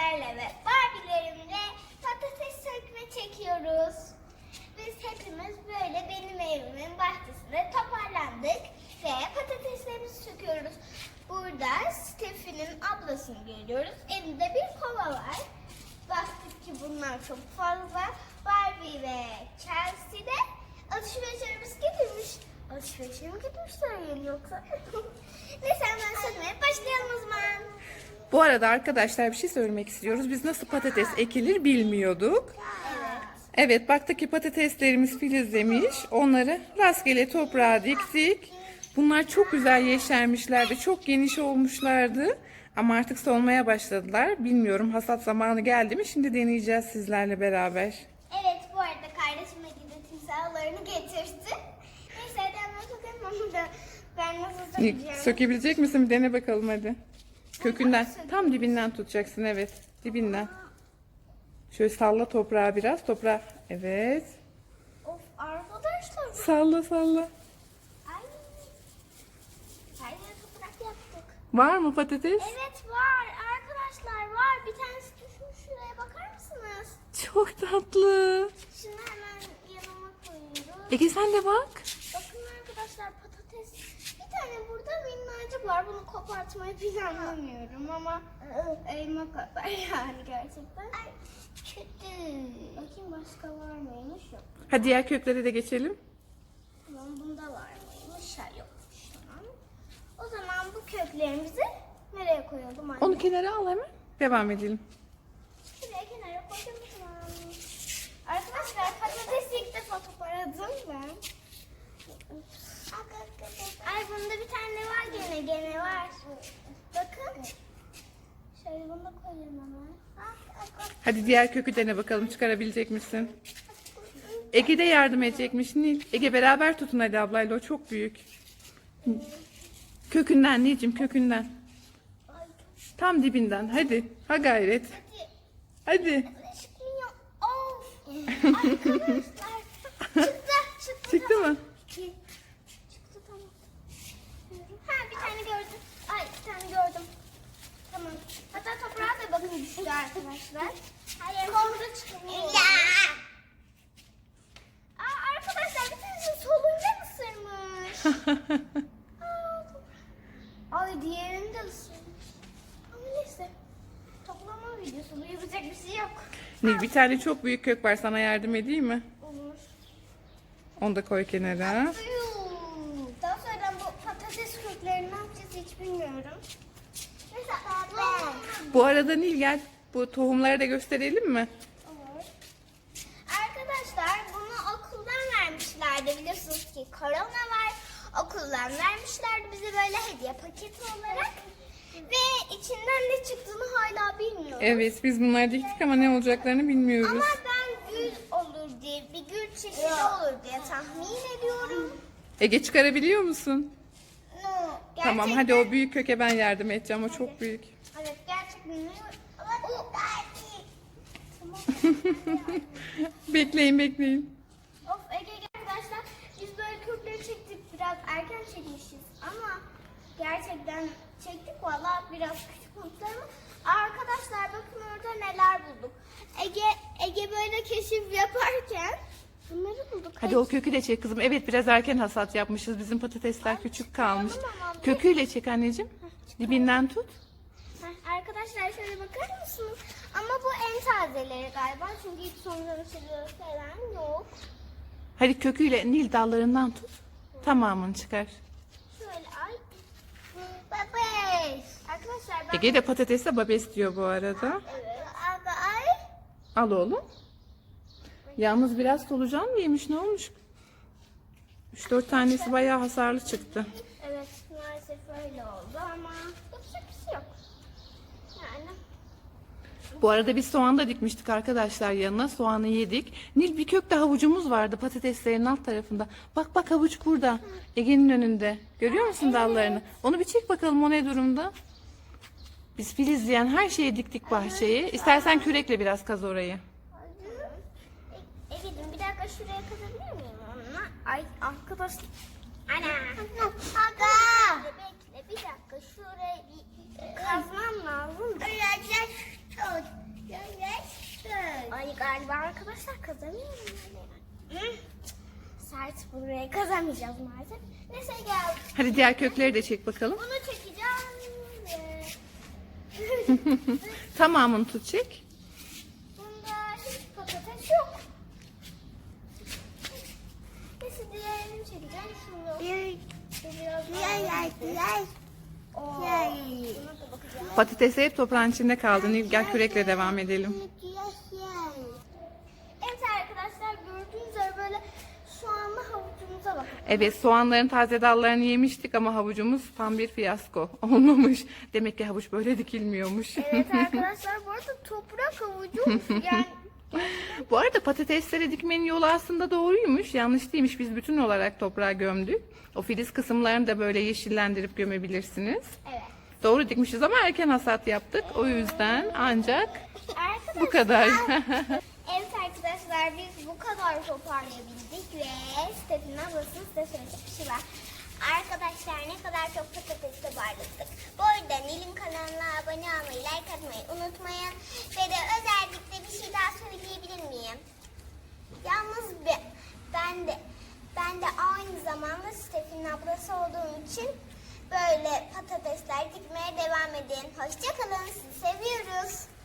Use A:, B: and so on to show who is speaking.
A: sizlerle ve Barbie'lerimle patates sökme çekiyoruz. Biz hepimiz böyle benim evimin bahçesinde toparlandık ve patateslerimizi söküyoruz. Burada Steffi'nin ablasını görüyoruz. Elinde bir kova var. Baktık ki bunlar çok fazla. Barbie ve Chelsea de alışverişlerimiz getirmiş. Alışverişe mi gitmişler yani yoksa? Neyse hemen sökmeye başlayalım o zaman.
B: Bu arada arkadaşlar bir şey söylemek istiyoruz. Biz nasıl patates ekilir bilmiyorduk.
A: Evet.
B: Evet, baktık ki patateslerimiz filizlemiş. Onları rastgele toprağa diktik. Bunlar çok güzel yeşermişlerdi. Çok geniş olmuşlardı. Ama artık solmaya başladılar. Bilmiyorum, hasat zamanı geldi mi? Şimdi deneyeceğiz sizlerle beraber.
A: Evet, bu arada kardeşime gidip timsahlarını getirdi. Neyse hadi hemen sokalım onu da. Ben nasıl sökeceğim?
B: Sökebilecek misin? Bir dene bakalım hadi. Kökünden, tam dibinden tutacaksın, evet. Dibinden. Şöyle salla toprağı biraz. Toprağı, evet.
A: Of arkadaşlar.
B: Salla salla.
A: Ay. Her yere toprak yaptık.
B: Var mı patates?
A: Evet var arkadaşlar var. Bir tanesi düşmüş, şuraya bakar mısınız?
B: Çok tatlı.
A: Şunu hemen yanıma koyuyoruz.
B: Ege sen de bak.
A: Bakın arkadaşlar patates. Bir tane burada minnacık var. Bunu kopartmayı planlamıyorum ama elma kadar yani gerçekten. Ay kötü. Bakayım başka var mıymış? Yok.
B: Hadi diğer köklere de geçelim.
A: Tamam bunda var mıymış? Ha yokmuş tamam. O zaman bu köklerimizi nereye koyalım anne?
B: Onu kenara al hemen. Devam edelim.
A: Şuraya kenara koydum tamam. Arkadaşlar patatesi ilk defa toparladım ben. Ay bunda bir tane var gene var. Bakın. Şöyle bunu da koyayım hemen.
B: Hadi diğer kökü dene bakalım, çıkarabilecek misin? Ege de yardım edecekmiş Nil. Ege beraber tutun hadi ablayla, o çok büyük. Kökünden Nilcim, kökünden. Tam dibinden, hadi. Ha gayret. Hadi.
A: Çıkmıyor. Of. Arkadaşlar. Çıktı.
B: Çıktı mı?
A: Çıktı tamam. Ha bir tane gördüm. Ay bir tane gördüm. Tamam. Hatta toprağa da bakın düştü arkadaşlar. Hayır. Kolda çıkmıyor. Aa arkadaşlar bir tanesi solunca ısırmış. Ay diğerini de ısırmış. Ama neyse. Toplama videosu. Bu yapacak bir şey yok.
B: Nil, bir tane çok büyük kök var, sana yardım edeyim mi?
A: Olur.
B: Onu da koy kenara.
A: Daha sonra bu patates köklerini ne yapacağız hiç bilmiyorum. Mesela
B: Bu arada Nil gel, bu tohumları da gösterelim mi?
A: olur. Arkadaşlar bunu okuldan vermişlerdi. Biliyorsunuz ki korona var. Okuldan vermişlerdi bize böyle hediye paketi olarak. Ve içinden ne çıktığını hala bilmiyoruz.
B: Evet, biz bunları diktik ama ne olacaklarını bilmiyoruz.
A: Ama ben gül olur diye, bir gül çeşidi olur diye tahmin ediyorum.
B: Ege çıkarabiliyor musun?
A: No,
B: Tamam, hadi o büyük köke ben yardım edeceğim, o çok büyük.
A: Evet gerçekten. Ama bu Tamam.
B: Bekleyin.
A: Of Ege arkadaşlar biz böyle kökleri çektik biraz erken çekmişiz ama gerçekten çektik valla biraz küçük olmuşlar ama arkadaşlar bakın orada neler bulduk. Ege böyle keşif yaparken bunları bulduk.
B: Hadi o kökü de çek kızım. Evet, biraz erken hasat yapmışız. Bizim patatesler küçük kalmış. Köküyle çek anneciğim. Dibinden tut.
A: Arkadaşlar şöyle bakar mısınız? Ama bu en tazeleri galiba çünkü hiç sonradan falan yok.
B: Hadi köküyle Nil dallarından tut. Tamamını çıkar.
A: Şöyle ay. Babes. Arkadaşlar ben...
B: Ege de patatesle babes diyor bu arada.
A: Evet. Abi ay.
B: Al oğlum. Yalnız biraz solucan mı yemiş, ne olmuş? 3-4 tanesi bayağı hasarlı çıktı.
A: Evet maalesef öyle oldu ama yapacak bir şey yok. Yani.
B: Bu arada biz soğan da dikmiştik arkadaşlar yanına. Soğanı yedik. Nil, bir kökte havucumuz vardı patateslerin alt tarafında. Bak havuç burada. Ege'nin önünde. Görüyor musun dallarını? Onu bir çek bakalım, o ne durumda? Biz filizleyen her şeyi diktik bahçeye. İstersen kürekle biraz kaz orayı.
A: Ege'cim bir dakika şuraya kazabilir miyim onunla? Ay arkadaş. Ana. Aga. Bekle bir dakika şuraya bir kazmam lazım. Öyle çok. galiba arkadaşlar, kazamıyorum yani. Sert, buraya kazamayacağız maalesef. Neyse gel.
B: Hadi diğer kökleri de çek bakalım.
A: Bunu çekeceğim.
B: Tamamını tut çek.
A: Bunda hiç patates yok. Neyse diğerini çekeceğim. Buna da bakacağım.
B: Patatesi hep toprağın içinde kaldı. Nil gel kürekle devam edelim.
A: Evet arkadaşlar, gördüğünüz üzere böyle soğanlı havucumuza bakın.
B: Evet, soğanların taze dallarını yemiştik ama havucumuz tam bir fiyasko olmamış. Demek ki havuç böyle dikilmiyormuş.
A: Evet arkadaşlar, bu arada toprak havucu yani
B: Bu arada patatesleri dikmenin yolu aslında doğruymuş. Yanlış değilmiş. Biz bütün olarak toprağa gömdük. O filiz kısımlarını da böyle yeşillendirip gömebilirsiniz.
A: evet.
B: Doğru dikmişiz ama erken hasat yaptık. O yüzden ancak
A: Arkadaşlar,
B: bu kadar.
A: evet arkadaşlar, biz bu kadar toparlayabildik ve Stef'in ablasının size söyleyecek bir şey var. Arkadaşlar, ne kadar çok patates toparladık. Bu arada Nil'in kanalına abone olmayı, like atmayı unutmayın. Ve de özellikle bir şey daha söyleyebilir miyim? Yalnız ben de aynı zamanda Stef'in ablası olduğum için böyle patatesler dikmeye devam edin. Hoşça kalın, sizi seviyoruz.